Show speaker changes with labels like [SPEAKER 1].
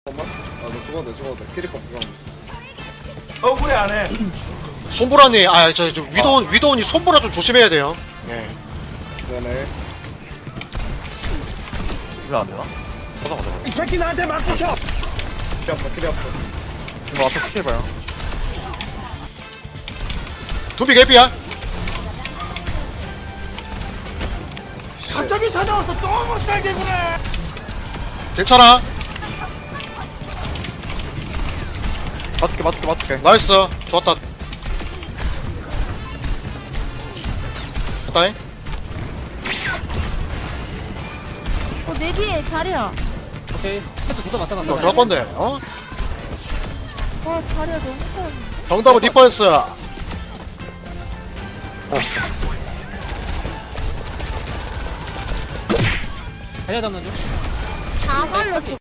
[SPEAKER 1] 잠깐만. 아, 너 죽어도 돼, 죽어도 돼. 캐릭터 없어.
[SPEAKER 2] 억울해 안 해.
[SPEAKER 3] 손보라니, 위도훈이 손보라 좀 조심해야 돼요. 예.
[SPEAKER 1] 네네.
[SPEAKER 4] 이거 안 되나? 보자 보자.
[SPEAKER 2] 이 새끼 나한테 맞고 쳐.
[SPEAKER 1] 캐리 없어, 캐리 없어.
[SPEAKER 4] 이거 앞에 크게 봐요.
[SPEAKER 3] 두비 개피야?
[SPEAKER 2] 갑자기 찾아와서 또 못 살겠구나.
[SPEAKER 3] 괜찮아.
[SPEAKER 4] 맞을게.
[SPEAKER 3] 나이스. 좋았다. 좋다잉.
[SPEAKER 5] 내 뒤에 자리야.
[SPEAKER 6] 오케이. 세트 두대 맞다 간다.
[SPEAKER 3] 좋을 건데, 어?
[SPEAKER 5] 와, 자리야 너무 커.
[SPEAKER 3] 정답은 리퍼였어.
[SPEAKER 6] 자리야 잡는 중.
[SPEAKER 5] 다 말렸어.